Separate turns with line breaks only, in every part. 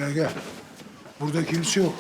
Gel gel. Burada kimse yok.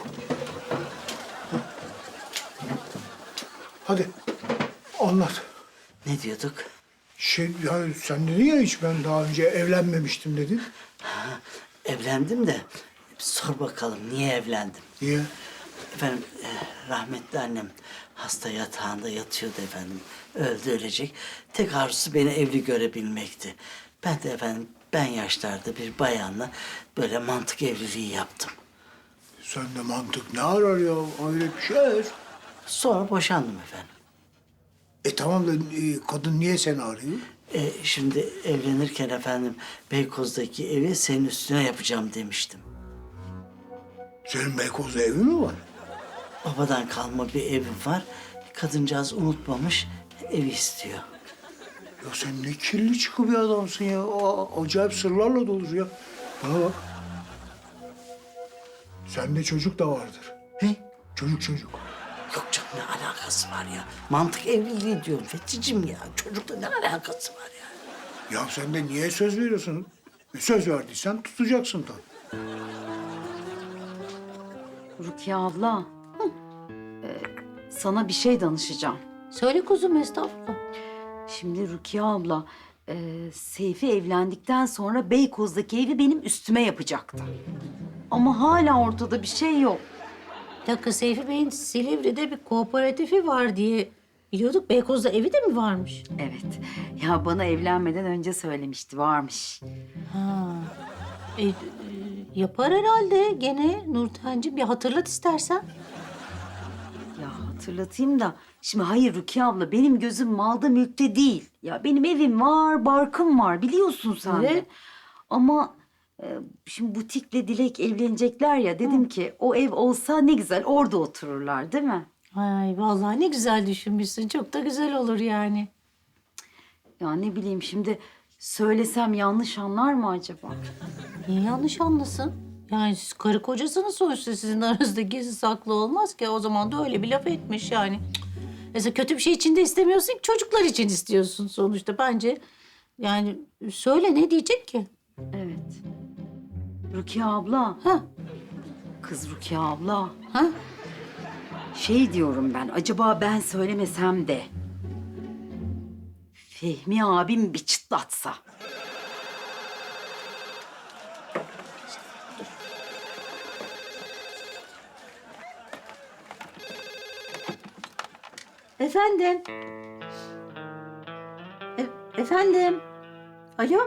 Hadi anlat.
Ne diyorduk?
Ya sen dedin ya hiç ben daha önce evlenmemiştim dedin.
Evlendim de sor bakalım niye evlendim?
Niye?
Efendim rahmetli annem hasta yatağında yatıyordu efendim. Öldü ölecek. Tek arzusu beni evli görebilmekti. Ben de efendim ben yaşlarda bir bayanla böyle mantık evliliği yaptım.
Sende mantık ne arar ya? Hayret bir şey.
Sonra boşandım efendim.
Tamam da kadın niye seni arıyor?
Şimdi evlenirken efendim Beykoz'daki evi senin üstüne yapacağım demiştim.
Senin Beykoz'da evi mi var?
Babadan kalma bir evim var. Kadıncağız unutmamış, evi istiyor.
Ya sen ne kirli çıkı bir adamsın ya. Acayip sırlarla dolusun ya. Bana bak. Sende çocuk da vardır.
Ne?
Çocuk.
Yok canım ne alakası var ya? Mantık evliliği diyorum Fethi'cim ya. Çocukla ne alakası var ya?
Ya sen de niye söz veriyorsun? Söz verdiysen tutacaksın tabii.
Rukiye abla. Sana bir şey danışacağım.
Söyle kuzum, estağfurullah.
Şimdi Rukiye abla, Seyfi evlendikten sonra Beykoz'daki evi benim üstüme yapacaktı. Ama hala ortada bir şey yok.
Bir dakika, Seyfi Bey'in Silivri'de bir kooperatifi var diye biliyorduk. Beykoz'da evi de mi varmış?
Evet. Ya bana evlenmeden önce söylemişti, varmış.
Ha. Yapar herhalde gene Nurten'cim. Bir hatırlat istersen.
Ya hatırlatayım da, şimdi hayır Rukiye abla, benim gözüm malda mülkte değil. Ya benim evim var, barkım var, biliyorsun sen de.
Evet.
Ama şimdi Butik'le Dilek evlenecekler ya, dedim ki o ev olsa ne güzel, orada otururlar değil mi?
Ay vallahi ne güzel düşünmüşsün. Çok da güzel olur yani.
Ya ne bileyim, şimdi söylesem yanlış anlar mı acaba?
Niye yanlış anlasın? Yani siz karı kocasınız sonuçta, sizin aranızda gizli saklı olmaz ki. O zaman da öyle bir laf etmiş yani. Cık. Mesela kötü bir şey için de istemiyorsun ki, çocuklar için istiyorsun sonuçta. Bence yani söyle, ne diyecek ki?
Evet. Rukiye abla.
Ha?
Kız Rukiye abla.
Ha?
Şey diyorum ben, acaba ben söylemesem de Fehmi abim bir çıtlatsa.
Efendim? Efendim? Alo?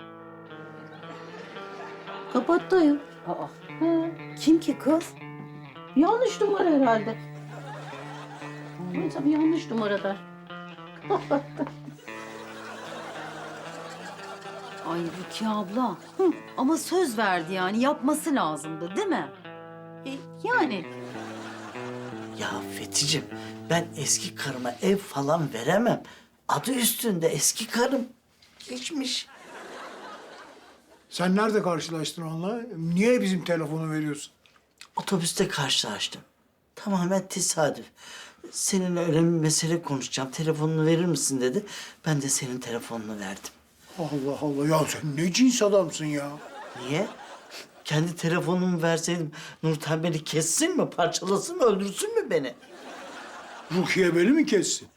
Kapattayım.
Aa,
Ha,
kim ki kız?
yanlış numara herhalde. Tabii yanlış numaralar.
Ay Rukiye abla. Ama söz verdi, yani yapması lazımdı değil mi?
Yani
Ya Fethi'cim ben eski karıma ev falan veremem. Adı üstünde eski karım. Geçmiş.
Sen nerede karşılaştın onunla? Niye bizim telefonu veriyorsun?
Otobüste karşılaştım. Tamamen tesadüf. Seninle önemli bir mesele konuşacağım. Telefonunu verir misin dedi. Ben de senin telefonunu verdim.
Allah Allah ya sen ne cins adamsın ya.
Niye? Kendi telefonumu verseydim Nurten beni kessin mi, parçalasın mı, öldürsün mü beni?
Rukiye beni mi kessin?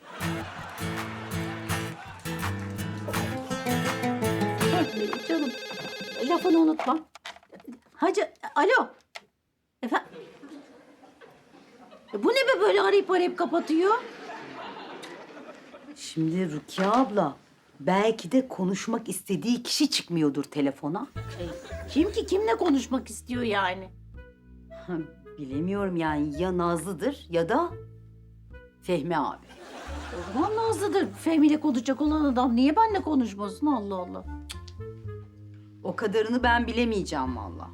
canım, lafını unutma. Hacı, alo. Efendim? Bu ne be, böyle arayıp kapatıyor?
Şimdi Rukiye abla, belki de konuşmak istediği kişi çıkmıyordur telefona.
Kim ki, kimle konuşmak istiyor yani?
Ha, bilemiyorum yani, ya Nazlı'dır ya da Fehmi abi.
O zaman Nazlı'dır. Fehmi ile konuşacak olan adam. Niye benimle konuşmasın? Allah Allah.
O kadarını ben bilemeyeceğim vallahi.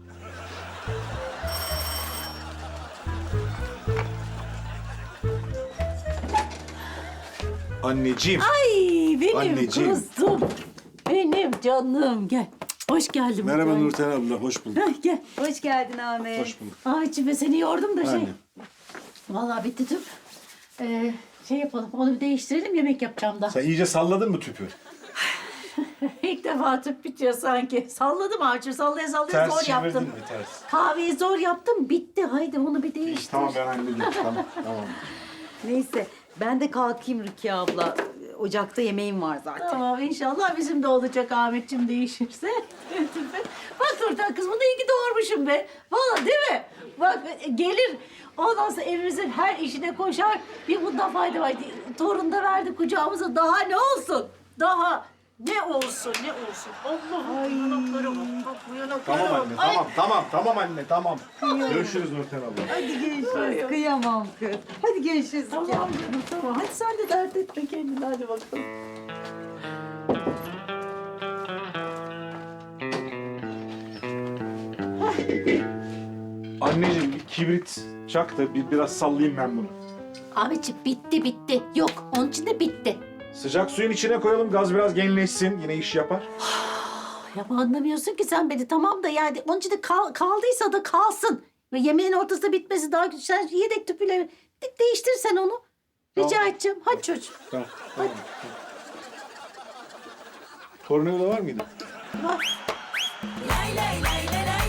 Anneciğim.
Ay benim
Anneciğim.
kızım. Benim canım. Gel. Hoş geldin.
Merhaba
Mutlu.
Nurten abla, hoş bulduk.
Heh, gel.
Hoş geldin Ahmet.
Hoş bulduk.
Ay içime seni yordum da şey.
Anne.
Vallahi bitti tüp. Şey yapalım, onu bir değiştirelim, yemek yapacağım da.
Sen iyice salladın mı tüpü?
İlk defa tüp bitiyor sanki. Salladım Avcım, sallaya sallaya
Ters
zor
çevirdin
yaptım.
mi ters?
Kahveyi zor yaptım, bitti. Haydi onu bir değiştir.
Tamam ben hallediyorum. Tamam.
Neyse ben de kalkayım Rukiye abla. Ocakta yemeğim var zaten.
Tamam inşallah bizim de olacak Ahmetciğim değişirse. Bak Nurten kız bunu iyi ki doğurmuşum be. Vallahi değil mi? Bak gelir ondan sonra evimizin her işine koşar. Bir bundan fayda var. Torun da verdi kucağımıza. Daha ne olsun? Daha ne olsun ne olsun. Allah'ım yanaklara bak. Bak bu yanaklara
Tamam
bak.
anne,
Ay,
tamam anne, tamam. Görüşürüz Nurten abla.
Hadi görüşürüz. Kıyamam kız. Hadi görüşürüz.
Tamam canım tamam. Hadi sen de dert etme kendini hadi bakalım.
Anneciğim bir kibrit çak da biraz sallayayım ben bunu.
Ahmetciğim bitti. Yok onun için de bitti.
Sıcak suyun içine koyalım, gaz biraz genleşsin. Yine iş yapar.
Ya anlamıyorsun ki sen beni tamam da yani onun için de kaldıysa da kalsın. Ve yemeğin ortasında bitmesi daha güzel. Sen yedek tüpüyle değiştir sen onu. Rica
Tamam.
edeceğim. Hadi çocuğum.
Tamam. Tornavida var mıydı?
Bak.
Lay lay lay lay lay